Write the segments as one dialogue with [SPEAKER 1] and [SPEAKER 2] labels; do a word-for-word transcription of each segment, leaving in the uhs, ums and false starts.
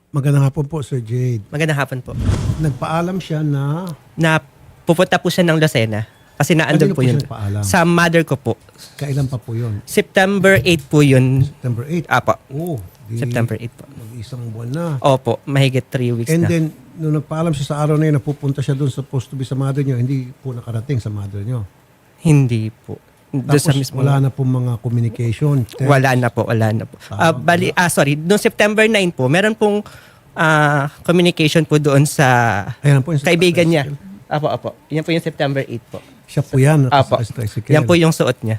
[SPEAKER 1] Magandang hapon po, Sir Jade.
[SPEAKER 2] Magandang hapon po.
[SPEAKER 1] Nagpaalam siya na...
[SPEAKER 2] Na pupunta po siya ng Lucena kasi naandun
[SPEAKER 1] Kanino
[SPEAKER 2] po
[SPEAKER 1] po
[SPEAKER 2] yun.
[SPEAKER 1] siya nagpaalam?
[SPEAKER 2] Sa mother ko po.
[SPEAKER 1] Kailan pa po yun?
[SPEAKER 2] September eighth po yun.
[SPEAKER 1] September eighth?
[SPEAKER 2] Apo.
[SPEAKER 1] Oh, di
[SPEAKER 2] September eighth po.
[SPEAKER 1] mag-isang buwan na.
[SPEAKER 2] Opo, mahigit three weeks
[SPEAKER 1] And
[SPEAKER 2] na.
[SPEAKER 1] then, nung nagpaalam siya sa araw na yun, napupunta siya doon supposed to be sa mother niyo, hindi po nakarating sa mother niyo.
[SPEAKER 2] Hindi po. Doon
[SPEAKER 1] Tapos
[SPEAKER 2] sa mismo.
[SPEAKER 1] wala na po mga communication. text.
[SPEAKER 2] Wala na po, wala na po. Ah, bali, ah, sorry, noong September ninth po, meron pong ah, communication po doon sa
[SPEAKER 1] Ayan po yung
[SPEAKER 2] kaibigan niya. Apo, apo. Yan po yung September eighth po.
[SPEAKER 1] Siya po yan.
[SPEAKER 2] Apo.
[SPEAKER 1] nakasakay sa tricycle.
[SPEAKER 2] Yan po yung suot niya.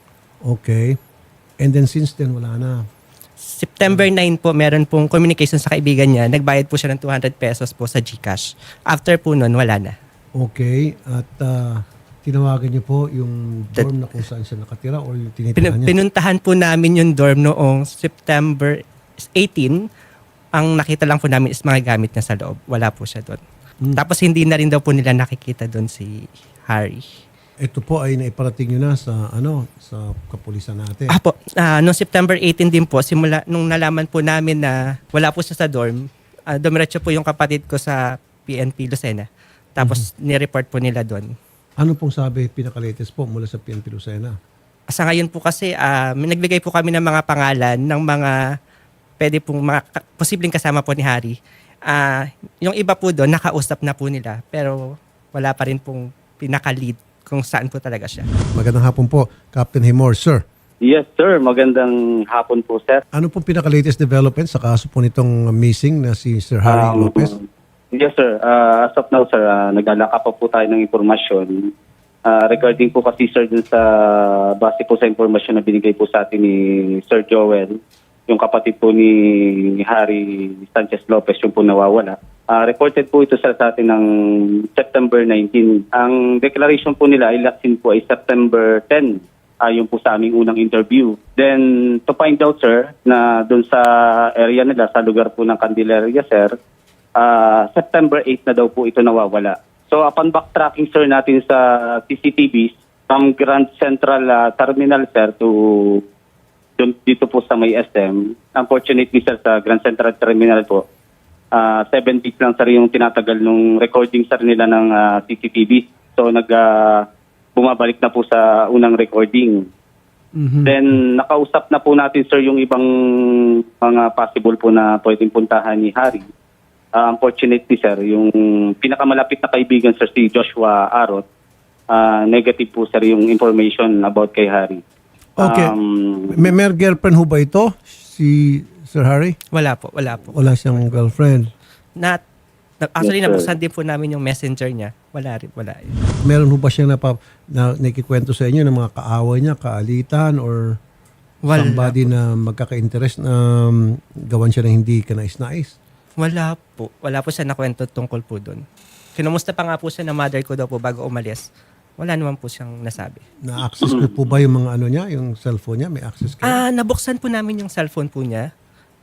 [SPEAKER 1] Okay. And then since then, wala na.
[SPEAKER 2] September ninth po, meron pong communication sa kaibigan niya. Nagbayad po siya ng two hundred pesos po sa GCash. After po nun, wala na.
[SPEAKER 1] Okay. At ah, tinawagan niyo po yung
[SPEAKER 2] That-
[SPEAKER 1] dorm na kung saan siya nakatira or yung
[SPEAKER 2] Pin-
[SPEAKER 1] tinitirahan niya?
[SPEAKER 2] pinuntahan po namin yung dorm noong September eighteenth. Ang nakita lang po namin is mga gamit niya sa loob. Wala po siya doon.
[SPEAKER 1] Hmm.
[SPEAKER 2] Tapos hindi na rin daw po nila nakikita doon si Harry.
[SPEAKER 1] Ito po ay naiparating nyo na sa ano sa kapulisan natin.
[SPEAKER 2] Ah po, ah, noong September eighteenth din po, simula nung nalaman po namin na wala po siya sa dorm, uh, dumiretso po yung kapatid ko sa P N P Lucena. Tapos ni-report po nila doon.
[SPEAKER 1] Ano pong sabi pinaka-latest po mula sa P N P Lucena?
[SPEAKER 2] Sa ngayon po kasi, ah, may nagbigay po kami ng mga pangalan ng mga pwede pong mga ka- posibleng kasama po ni Harry. Ah, yung iba po doon, nakausap na po nila. Pero wala pa rin pong pinaka-lead kung saan po talaga siya.
[SPEAKER 1] Magandang hapon po, Captain Himor. Sir,
[SPEAKER 3] Yes, sir. Magandang hapon po, sir.
[SPEAKER 1] ano pong pinaka-latest development sa kaso po nitong missing na si Sir Harry
[SPEAKER 3] Um,
[SPEAKER 1] Lopez?
[SPEAKER 3] Yes, sir. Uh, as of now, sir, uh, naglalaka pa po tayo ng impormasyon. Uh, regarding po kasi, sir, dun sa base po sa impormasyon na binigay po sa atin ni Sir Joel, yung kapatid po ni Harry Sanchez Lopez, yung po nawawala. Uh, reported po ito sir, sa atin ng September nineteenth. Ang declaration po nila ay last seen po ay September tenth. Ayon po sa aming unang interview. Then, to find out, sir, na doon sa area nila, sa lugar po ng Candelaria, sir, uh, September eighth na daw po ito nawawala. So, upon backtracking, sir, natin sa C C T Vs, from Grand Central uh, Terminal, sir, to dun, dito po sa may S M, unfortunately, sir, sa Grand Central Terminal po, uh, seven days lang, sir, yung tinatagal nung recording, sir, nila ng uh, C C T V. So, nag... Uh, bumabalik na po sa unang recording.
[SPEAKER 1] Mhm.
[SPEAKER 3] Then, nakausap na po natin, sir, yung ibang mga possible po na pwedeng puntahan ni Harry. Uh, unfortunately, sir, yung pinakamalapit na kaibigan, sir, si Joshua Arot, uh, negative po, sir, yung information about kay Harry.
[SPEAKER 1] Okay.
[SPEAKER 3] Um,
[SPEAKER 1] May, may girlfriend ho ba ito? Si Sir Harry?
[SPEAKER 2] Wala po, wala po.
[SPEAKER 1] Wala siyang girlfriend.
[SPEAKER 2] Na, na, actually,
[SPEAKER 3] Yes, sir.
[SPEAKER 2] nabuksan din po namin yung messenger niya. Wala rin, wala.
[SPEAKER 1] Meron ho ba siyang napa, na, nakikwento sa inyo ng mga kaaway niya, kaalitan, or
[SPEAKER 2] Wala.
[SPEAKER 1] somebody na magkaka-interest na um, gawan siya ng hindi kanais-nais?
[SPEAKER 2] Wala po. Wala po siya nakwento tungkol po doon. Kinumusta pa nga po siya ng mother ko daw po bago umalis. Wala naman po siyang nasabi.
[SPEAKER 1] Na-access ko po ba yung mga ano niya, yung cellphone niya? May access kayo?
[SPEAKER 2] Ah, nabuksan po namin yung cellphone po niya.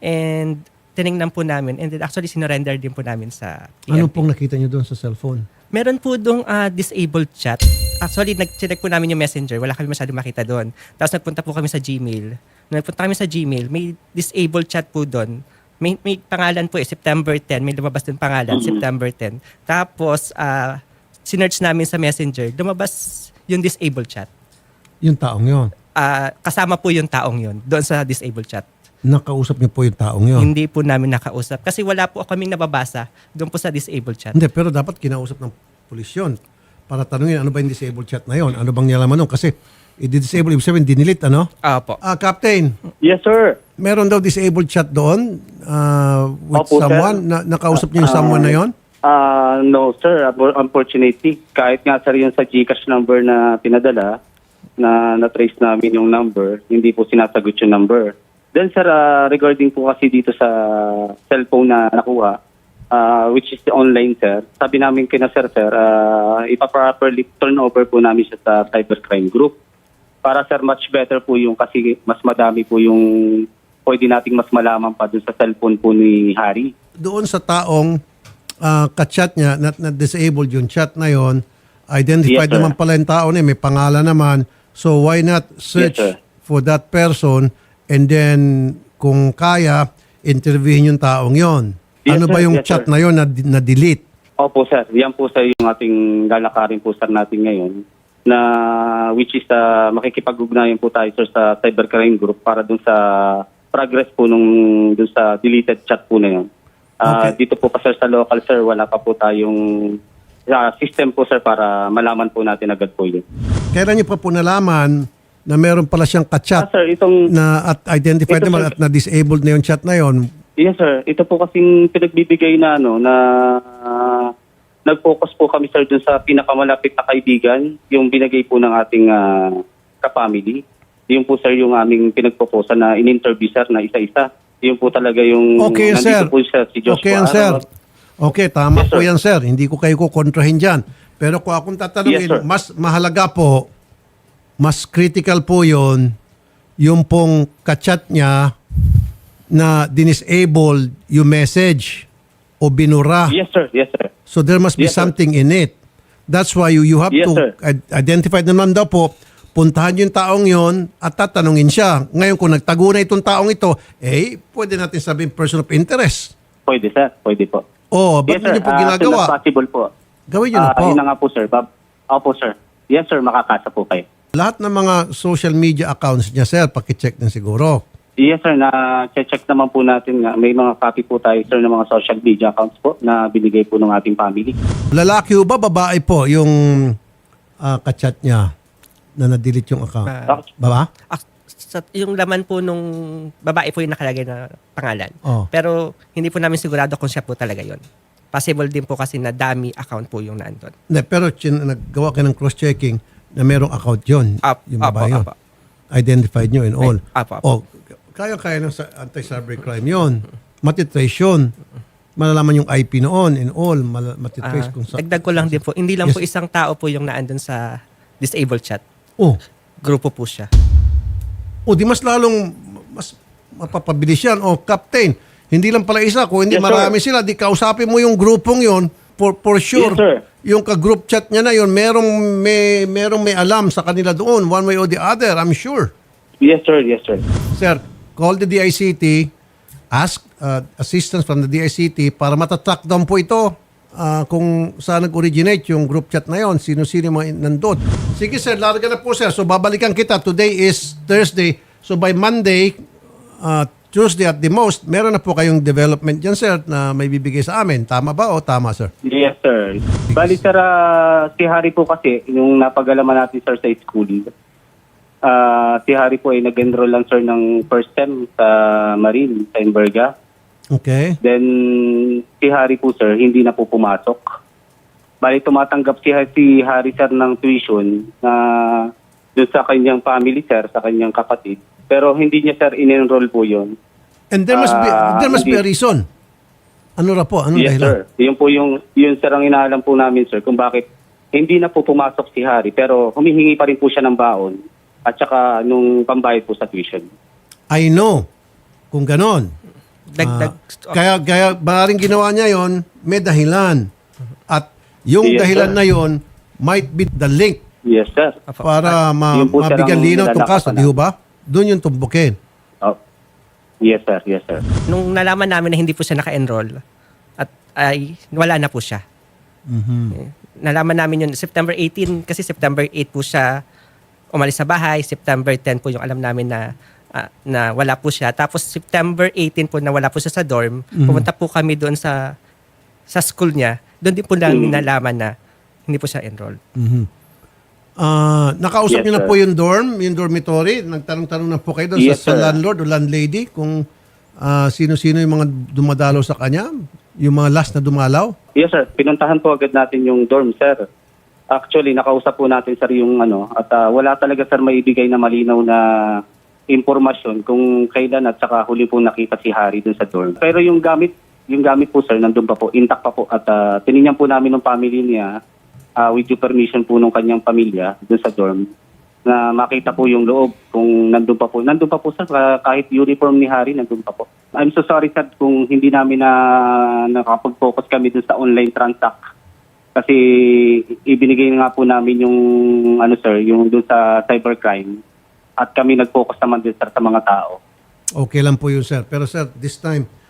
[SPEAKER 2] And tiningnan po namin. And then actually, sinurrender din po namin sa P N P.
[SPEAKER 1] Ano pong nakita niyo doon sa cellphone?
[SPEAKER 2] Meron po doong ah, disabled chat. Actually, nag-check po namin yung messenger. Wala kami masyadong makita doon. Tapos nagpunta po kami sa Gmail. Nung nagpunta kami sa Gmail, may disabled chat po doon. May, may pangalan po eh, September tenth. May lumabas doon pangalan, September tenth. Tapos, ah, sinearch namin sa messenger, lumabas yung disabled chat.
[SPEAKER 1] Yung taong yon.
[SPEAKER 2] Ah, kasama po yung taong yon doon sa disabled chat.
[SPEAKER 1] Nakausap niyo po yung taong yon.
[SPEAKER 2] Hindi po namin nakausap. Kasi wala po kaming nababasa doon po sa disabled chat.
[SPEAKER 1] Hindi, pero dapat kinausap ng pulis yun para tanungin ano ba yung disabled chat na yon. Ano bang nilalaman nun? Kasi i-disable, ibig sabihin, dinilit, ano?
[SPEAKER 2] Opo.
[SPEAKER 1] Ah, Captain,
[SPEAKER 3] yes, sir.
[SPEAKER 1] meron daw disabled chat doon uh, with
[SPEAKER 3] Opo, sir.
[SPEAKER 1] someone. Na, nakausap niyo yung
[SPEAKER 3] Ah,
[SPEAKER 1] someone na yon?
[SPEAKER 3] Uh, no, sir. Unfortunately, kahit nga, sir, yung sa GCash number na pinadala, na na-trace namin yung number, hindi po sinasagot yung number. Then, sir, uh, regarding po kasi dito sa cellphone na nakuha, uh, which is the online, sir, sabi namin kina sir, sir, uh, ipa-properly turn over po namin siya sa cybercrime group. Para, sir, much better po yung kasi mas madami po yung pwede nating mas malaman pa dun sa cellphone po ni Harry.
[SPEAKER 1] Doon sa taong uh, ka-chat niya, na, na disabled yung chat na yon, identified
[SPEAKER 3] Yes, sir.
[SPEAKER 1] naman pala yung tao na yun, may pangalan naman. So why not search
[SPEAKER 3] Yes, sir.
[SPEAKER 1] for that person and then kung kaya, interviewin yung taong yon?
[SPEAKER 3] Yes,
[SPEAKER 1] ano
[SPEAKER 3] sir.
[SPEAKER 1] ba yung
[SPEAKER 3] Yes,
[SPEAKER 1] chat
[SPEAKER 3] sir.
[SPEAKER 1] na yon na, na delete?
[SPEAKER 3] Opo, sir. Yan po sir yung ating lalakarin po sir natin ngayon na which is uh, makikipag-ugnayan po tayo sir sa cybercrime group para dun sa progress po nung dun sa deleted chat po na yun. Ah,
[SPEAKER 1] Okay.
[SPEAKER 3] Dito po pa sir sa local sir, wala pa po tayong ah, system po sir para malaman po natin agad po yun.
[SPEAKER 1] Kailan niyo pa po nalaman na meron pala siyang
[SPEAKER 3] Ah,
[SPEAKER 1] ka-chat
[SPEAKER 3] sir, itong
[SPEAKER 1] na at identified
[SPEAKER 3] Ito,
[SPEAKER 1] naman
[SPEAKER 3] sir.
[SPEAKER 1] at na-disabled na yung chat na yon?
[SPEAKER 3] Yes sir, ito po kasing pinagbibigay na ano na ah, nag-focus po kami sir dun sa pinakamalapit na kaibigan, yung binigay po ng ating ah, ka-family. Yung po sir yung aming pinagpoposa na in-interview sir na isa-isa. Yung po talaga yung
[SPEAKER 1] Okay,
[SPEAKER 3] nandito
[SPEAKER 1] sir.
[SPEAKER 3] po siya si Joshua
[SPEAKER 1] Okay yan, sir.
[SPEAKER 3] Arrow.
[SPEAKER 1] Okay, tama
[SPEAKER 3] Yes,
[SPEAKER 1] po
[SPEAKER 3] sir.
[SPEAKER 1] yan, sir. Hindi ko kayo kukontrahin dyan. Pero kung akong tatanungin,
[SPEAKER 3] Yes, sir.
[SPEAKER 1] mas mahalaga po, mas critical po yon yung pong kachat niya na dinisable yung message o binura.
[SPEAKER 3] Yes sir, yes sir.
[SPEAKER 1] So there must be
[SPEAKER 3] Yes, sir.
[SPEAKER 1] something in it. That's why you, you have
[SPEAKER 3] Yes,
[SPEAKER 1] to
[SPEAKER 3] sir.
[SPEAKER 1] i- identify naman daw po, puntahan yung taong yon at tatanungin siya. Ngayon kung nagtago na itong taong ito, eh, pwede natin sabihin person of interest.
[SPEAKER 3] Pwede sir, pwede po.
[SPEAKER 1] Oh, ba't
[SPEAKER 3] Yes sir,
[SPEAKER 1] niyo po
[SPEAKER 3] Ah,
[SPEAKER 1] ginagawa?
[SPEAKER 3] as soon as possible po.
[SPEAKER 1] Gawin niyo na
[SPEAKER 3] Ah,
[SPEAKER 1] po.
[SPEAKER 3] Yun na nga po sir. Bab- Opo sir. Yes sir, makakasa po kayo.
[SPEAKER 1] Lahat ng mga social media accounts niya, sir, pakicheck din siguro.
[SPEAKER 3] Yes sir, na-check naman po natin nga. May mga copy po tayo sir ng mga social media accounts po na binigay po ng ating family.
[SPEAKER 1] Lalaki o ba, babae po, yung ah, kachat niya na na-delete yung account?
[SPEAKER 2] Ah,
[SPEAKER 1] Baba?
[SPEAKER 2] ah, sa, yung laman po nung babae po yung nakalagay na pangalan.
[SPEAKER 1] Oh.
[SPEAKER 2] Pero hindi po namin sigurado kung siya po talaga yon. Possible din po kasi na dummy account po yung nandun.
[SPEAKER 1] Hindi, pero chin, naggawa kayo ng cross-checking na merong account yun.
[SPEAKER 2] Up,
[SPEAKER 1] yung
[SPEAKER 2] up,
[SPEAKER 1] babae
[SPEAKER 2] up,
[SPEAKER 1] yun.
[SPEAKER 2] up.
[SPEAKER 1] Identified nyo and all.
[SPEAKER 2] Ay, up, up.
[SPEAKER 1] O, kaya-kaya ng sa- anti-cybercrime yun. Matitrace yun. Malalaman yung I P noon and all. Mal- matitrace
[SPEAKER 2] Ah,
[SPEAKER 1] kung sa...
[SPEAKER 2] dagdag ko lang din po, hindi lang
[SPEAKER 1] Yes.
[SPEAKER 2] po isang tao po yung naandun sa disabled chat.
[SPEAKER 1] Oh,
[SPEAKER 2] Grupo po siya.
[SPEAKER 1] o di mas lalong mas mapapabilis yan. O, Captain, hindi lang pala isa. Kung hindi
[SPEAKER 3] Yes, sir.
[SPEAKER 1] marami sila, di kausapin mo yung grupong yon for, for sure.
[SPEAKER 3] Yes, sir.
[SPEAKER 1] Yung ka-group chat niya na yon merong may, merong may alam sa kanila doon, one way or the other, I'm sure.
[SPEAKER 3] Yes sir, yes sir.
[SPEAKER 1] Sir, call the D I C T, ask uh, assistance from the D I C T para matatrack down po ito uh, kung saan nag-originate yung group chat na yon, sino-sino yung mga nandun. Sige sir, larga na po sir. So babalikan kita. Today is Thursday. So by Monday, uh, Tuesday at the most, meron na po kayong development dyan sir na may bibigay sa amin. Tama ba o tama sir?
[SPEAKER 3] Yes sir. Bali sir, ah, si Harry po kasi, yung napagalaman natin sir sa school, ah, si Harry po ay nag-enroll lang sir ng first sem sa Marine, sa Imberga.
[SPEAKER 1] Okay.
[SPEAKER 3] Then, si Harry po sir, hindi na po pumasok. Bali, tumatanggap si, si Harry sir ng tuition na doon sa kanyang family sir, sa kanyang kapatid. Pero hindi niya sir in-enroll po yun.
[SPEAKER 1] And there must be,
[SPEAKER 3] Ah,
[SPEAKER 1] there must be a
[SPEAKER 3] hindi.
[SPEAKER 1] reason. Ano ra po? Anong
[SPEAKER 3] Yes
[SPEAKER 1] dahilan?
[SPEAKER 3] sir. Yun po yung, yun sir ang inaalam po namin sir kung bakit hindi na po pumasok si Harry pero humihingi pa rin po siya ng baon at saka nung pambayad po sa tuition.
[SPEAKER 1] I know. Kung ganon.
[SPEAKER 2] Dagdag.
[SPEAKER 1] Ah, kaya, kaya maaaring ginawa niya yon may dahilan. At yung
[SPEAKER 3] Yes,
[SPEAKER 1] dahilan
[SPEAKER 3] sir.
[SPEAKER 1] na yon might be the link
[SPEAKER 3] Yes sir.
[SPEAKER 2] Opo.
[SPEAKER 1] para ma-
[SPEAKER 3] Yun po, sir,
[SPEAKER 1] mabigyan
[SPEAKER 3] ang
[SPEAKER 1] linaw itong kaso.
[SPEAKER 3] nilalakasan
[SPEAKER 1] Di ho ba? Doon yung tumbukin.
[SPEAKER 3] Oh. Yes sir, yes sir.
[SPEAKER 2] Nung nalaman namin na hindi po siya naka-enroll, at ay wala na po siya. Eh, Nalaman namin yun September eighteenth kasi September eighth po siya umalis sa bahay. September tenth po yung alam namin na ah, na wala po siya. Tapos September eighteenth po na wala po siya sa dorm. Pumunta po kami doon sa sa school niya. Doon din po namin
[SPEAKER 3] Mhm.
[SPEAKER 2] nalaman na hindi po siya enroll.
[SPEAKER 1] Ah, nakausap
[SPEAKER 3] Yes,
[SPEAKER 1] niyo na
[SPEAKER 3] sir.
[SPEAKER 1] po yung dorm, yung dormitory. Nagtanong-tanong na po kayo doon
[SPEAKER 3] Yes,
[SPEAKER 1] sa, sa
[SPEAKER 3] sir.
[SPEAKER 1] landlord o landlady kung ah, sino-sino yung mga dumadalaw sa kanya, yung mga last na dumalaw.
[SPEAKER 3] Yes sir, pinuntahan po agad natin yung dorm sir. Actually, nakausap po natin sir yung ano at ah, wala talaga sir maibigay na malinaw na impormasyon kung kailan at saka huli po nakita si Harry dun sa dorm. Pero yung gamit, yung gamit po sir, nandun pa po, intact pa po at uh, tinignan po namin ng family niya ah, with due permission po ng kanyang pamilya dun sa dorm na makita po yung loob kung nandun pa po. Nandun pa po sir, ah, kahit uniform ni Harry, nandun pa po. I'm so sorry sir kung hindi namin na nakapag-focus kami dun sa online transact. Kasi ibinigay nga po namin yung ano sir, yung dun sa cybercrime at kami nag-focus naman din sir sa mga tao.
[SPEAKER 1] Okay lang po yun, sir. Pero sir, this time,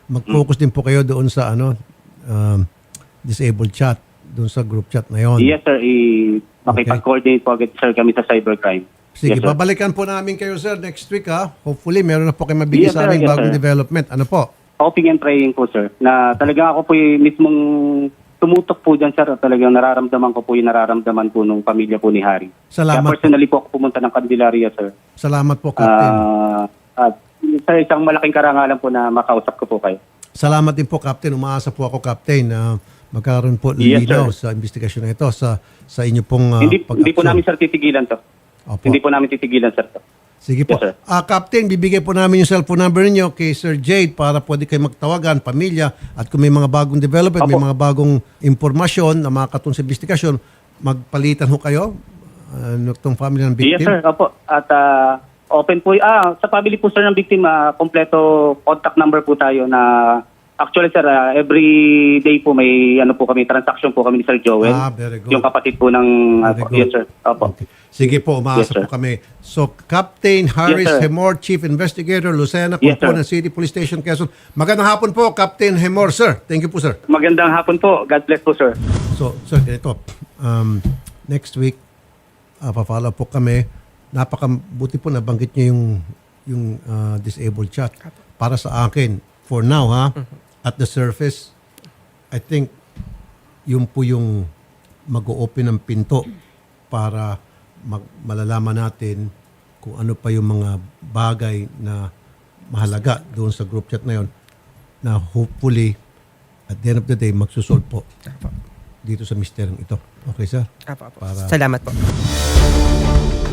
[SPEAKER 1] mag-focus din po kayo doon sa ano um, disabled chat, doon sa group chat na yon.
[SPEAKER 3] Yes, sir. I- makipag-coordinate po agad, sir, kami sa cybercrime.
[SPEAKER 1] Sige,
[SPEAKER 3] Yes, sir.
[SPEAKER 1] babalikan po namin kayo, sir, next week, ha? Hopefully, meron na po kayo mabigay
[SPEAKER 3] Yes,
[SPEAKER 1] sa
[SPEAKER 3] sir.
[SPEAKER 1] aming
[SPEAKER 3] Yes,
[SPEAKER 1] bagong
[SPEAKER 3] sir.
[SPEAKER 1] development. Ano po?
[SPEAKER 3] Hoping and praying po, sir, na talagang ako po yung mismong tumutok po dyan, sir. At talagang nararamdaman ko po yung nararamdaman po ng pamilya po ni Harry.
[SPEAKER 1] Salamat
[SPEAKER 3] Kaya personally po ako pumunta ng Candelaria, sir.
[SPEAKER 1] Salamat po, Captain.
[SPEAKER 3] Ah, at sa isang malaking karangalan po na makausap ko po kayo.
[SPEAKER 1] Salamat din po, Captain. Umaasa po ako, Captain, na magkaroon po
[SPEAKER 3] Yes,
[SPEAKER 1] linaw
[SPEAKER 3] sir.
[SPEAKER 1] sa investigasyon na ito sa sa inyo pong uh,
[SPEAKER 3] hindi, hindi po namin, sir, titigilan to.
[SPEAKER 1] Opo.
[SPEAKER 3] Hindi po namin titigilan, sir. To.
[SPEAKER 1] Sige po.
[SPEAKER 3] Yes, sir.
[SPEAKER 1] Ah, Captain, bibigay po namin yung cellphone number niyo kay Sir Jade para pwede kayo magtawagan, pamilya, at kung may mga bagong development, may
[SPEAKER 3] Opo.
[SPEAKER 1] mga bagong impormasyon na makakatulong sa investigasyon, magpalitan ho kayo uh, itong family ng
[SPEAKER 3] Yes,
[SPEAKER 1] victim.
[SPEAKER 3] sir. Opo. At ah, open po, ah, sa family po, sir, ng biktima, kompleto contact number po tayo na actually, sir, ah, every day po may ano po kami, transaction po kami ni Sir Joel.
[SPEAKER 1] Ah, very good.
[SPEAKER 3] Yung kapatid po ng, ah,
[SPEAKER 1] Very
[SPEAKER 3] po-
[SPEAKER 1] good.
[SPEAKER 3] yes, sir. Opo.
[SPEAKER 1] Okay. Sige po, umaasa
[SPEAKER 3] Yes, sir.
[SPEAKER 1] po kami. So, Captain Harris
[SPEAKER 3] Yes, sir.
[SPEAKER 1] Hemor, Chief Investigator, Lucena,
[SPEAKER 3] Yes,
[SPEAKER 1] Component
[SPEAKER 3] sir.
[SPEAKER 1] City Police Station, Quezon. Magandang hapon po, Captain Hemor, sir. Thank you po, sir.
[SPEAKER 3] Magandang hapon po. God bless po, sir.
[SPEAKER 1] So, sir, ganito. Um, next week, uh, pa-follow po kami. Napakabuti po nabanggit niyo yung, yung uh, disabled chat. Para sa akin, for now, ha, at the surface, I think, yun po yung mag-o-open ng pinto para mag- malalaman natin kung ano pa yung mga bagay na mahalaga doon sa group chat na yon na hopefully at the end of the day magsusolve po
[SPEAKER 2] Apo.
[SPEAKER 1] dito sa misteryong ito. Okay, sir?
[SPEAKER 2] Apo, apo.
[SPEAKER 1] Para-
[SPEAKER 2] Salamat po.